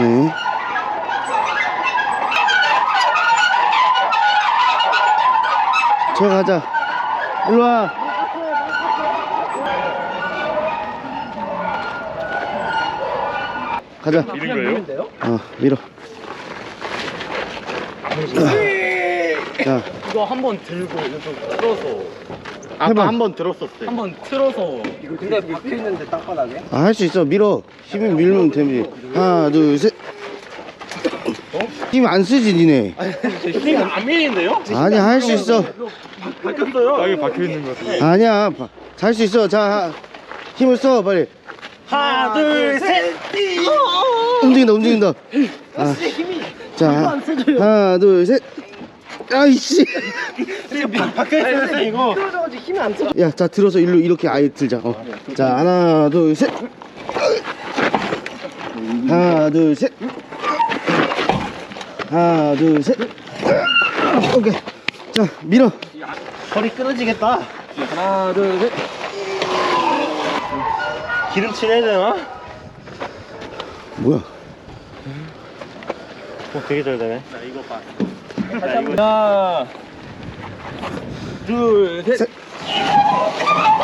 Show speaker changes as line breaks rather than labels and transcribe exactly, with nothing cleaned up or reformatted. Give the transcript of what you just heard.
네. 저 가자. 일로 와. 가자.
밀은 거예요?
어, 밀어. 자,
이거 한번 들고 좀 틀어서
해봐.
아까 한번 들었었어요. 한번 틀어서 이거
근데 박혀있는데 땅바닥에?
아, 할 수 있어. 밀어. 힘이 밀면 되지. 하나, 둘, 셋. 힘 안 쓰지, 니네.
힘이 안 밀리는데요?
아니야, 할 수 있어.
바뀌었어요. 땅에 박혀 있는 것 같아요.
아니야, 잘 수 있어. 자, 힘을 써, 빨리.
하나, 둘, 셋.
움직인다, 움직인다. 아, 자, 하나, 둘, 셋. 아이씨.
박혀 있어요 이거.
떨어져가지고 힘이 안 들어.
야, 자, 들어서 일로 이렇게 아예 들자. 어. 자, 하나, 둘, 셋. 하나, 둘, 셋. 하나, 둘, 셋. 오케이. 자, 밀어.
허리 끊어지겠다. 하나, 둘, 셋. 기름칠 해야 되나?
뭐야?
어, 되게 잘 되네. 나 이거 봐. 나 이거. 하나, 둘, 셋.
셋.